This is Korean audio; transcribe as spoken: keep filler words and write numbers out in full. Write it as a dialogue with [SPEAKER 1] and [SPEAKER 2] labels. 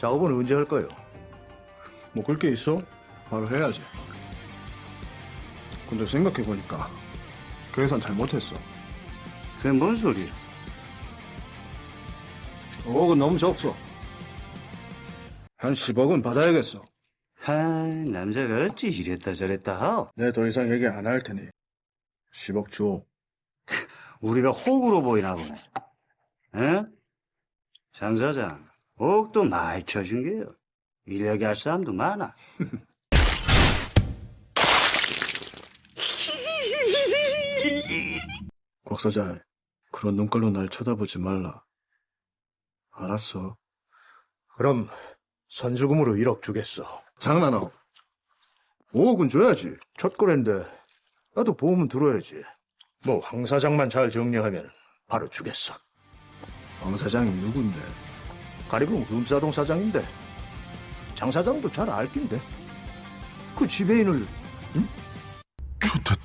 [SPEAKER 1] 작업은 언제 할 거요?
[SPEAKER 2] 뭐 그럴 게 있어? 바로 해야지. 근데 생각해보니까 계산 잘못했어.
[SPEAKER 1] 그게 뭔 소리야?
[SPEAKER 2] 억은 너무 적소. 한 십억은 받아야겠어.
[SPEAKER 1] 하, 남자가 어찌 이랬다 저랬다 하오?
[SPEAKER 2] 내 더 이상 얘기 안 할 테니 십억 주오.
[SPEAKER 1] 우리가 호구로 보이나 보네. 에? 장 사장, 옥도 많이 쳐준 게요. 인력이 할 사람도 많아.
[SPEAKER 2] 곽 사장, 그런 눈깔로 날 쳐다보지 말라. 알았어.
[SPEAKER 3] 그럼 선주금으로 일억 주겠어.
[SPEAKER 2] 장난하오. 오억은 줘야지.
[SPEAKER 3] 첫 거래인데 나도 보험은 들어야지. 뭐 황 사장만 잘 정리하면 바로 주겠어.
[SPEAKER 2] 황 사장이 누군데?
[SPEAKER 3] 가리봉 음사동 사장인데 장 사장도 잘 알긴데. 그 지배인을
[SPEAKER 2] 좋됐다.